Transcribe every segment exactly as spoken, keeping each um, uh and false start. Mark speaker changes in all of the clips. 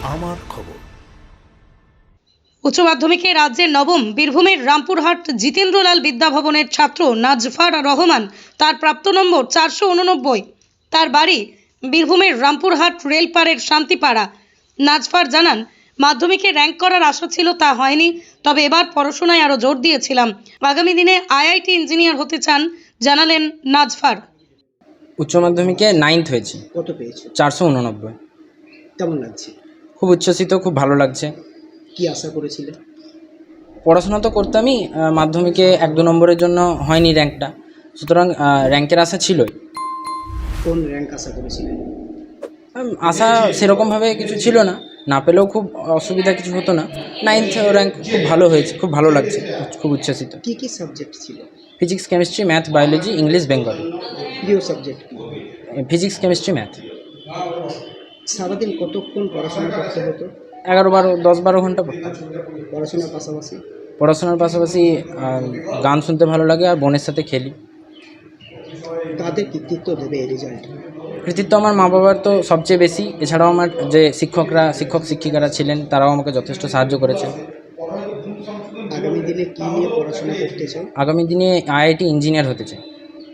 Speaker 1: আমার খবর।
Speaker 2: উচ্চ মাধ্যমিকে রাজ্যের নবম বীরভূমের রামপুরহাট জিতেন্দ্রলাল বিদ্যাভবনের ছাত্র নাজফার রহমান তার প্রাপ্ত নম্বর চারশো উননব্বই। তার বাড়ি বীরভূমের রামপুরহাট রেলপাড়ের শান্তিপাড়া। নাজফার জানান, মাধ্যমিকে র্যাঙ্ক করার আশা ছিল, তা হয়নি। তবে এবার পড়াশোনায় আরও জোর দিয়েছিলাম। আগামী দিনে আইআইটি ইঞ্জিনিয়ার হতে চান, জানালেন নাজফার।
Speaker 3: উচ্চ মাধ্যমিকে নাইন্থ হয়েছে।
Speaker 4: কত পেয়েছো?
Speaker 3: চারশো উননব্বই।
Speaker 4: কেমন লাগছে?
Speaker 3: খুব উচ্ছ্বসিত, খুব ভালো লাগছে।
Speaker 4: কি আশা করেছিলে?
Speaker 3: পড়াশোনা তো করতামই, আহ, মাধ্যমিকে এক দু নম্বরের জন্য হয়নি র্যাঙ্কটা, সুতরাং র্যাঙ্কের আশা ছিলই।
Speaker 4: কোন র্যাঙ্ক আশা করেছিলে?
Speaker 3: উম, আশা সেরকমভাবে কিছু ছিল না, না পেলেও খুব অসুবিধা কিছু হতো না। নাইন্থ র্যাঙ্ক খুব ভালো হয়েছে, খুব ভালো লাগছে, খুব উচ্ছ্বসিত।
Speaker 4: কি কি সাবজেক্ট ছিল?
Speaker 3: Physics, chemistry, math, biology, English, Bengali.
Speaker 4: প্রিয় সাবজেক্ট কি?
Speaker 3: Physics, chemistry, math.
Speaker 4: সারাদিন কতক্ষণ পড়াশোনা করতে হতো?
Speaker 3: এগারো বারো দশ বারো ঘন্টা পড়তাম।
Speaker 4: পড়াশোনার পাশাপাশি
Speaker 3: পড়াশোনার পাশাপাশি আহ, গান শুনতে ভালো লাগে আর বোনের সাথে খেলি।
Speaker 4: কাদের কৃতিত্ব দেবে এই রেজাল্ট?
Speaker 3: কৃতিত্ব আমার মা বাবার তো সবচেয়ে বেশি, এছাড়াও আমার যে শিক্ষকরা শিক্ষক শিক্ষিকারা ছিলেন তারাও আমাকে যথেষ্ট সাহায্য করেছেন।
Speaker 4: আগামী দিনে কি নিয়ে পড়াশোনা করতে চাও?
Speaker 3: আগামী দিনে আইআইটি ইঞ্জিনিয়ার হতে চাই।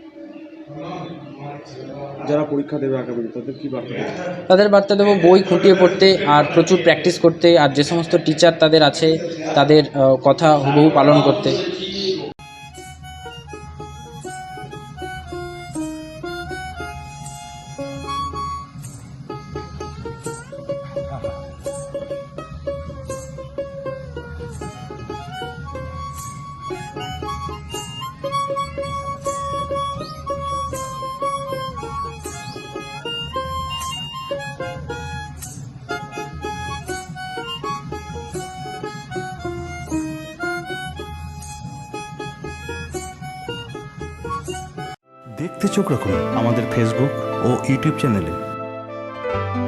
Speaker 5: যারা পরীক্ষা দেবে আগামী তাদের কি বার্তা দেবে?
Speaker 3: তাদের বার্তা দেবো বই খুঁটিয়ে পড়তে আর প্রচুর প্র্যাকটিস করতে, আর যে সমস্ত টিচার তাদের আছে তাদের আহ, কথা হুবহু পালন করতে।
Speaker 1: দেখতে চোখ রাখুন আমাদের ফেসবুক ও ইউটিউব চ্যানেলে।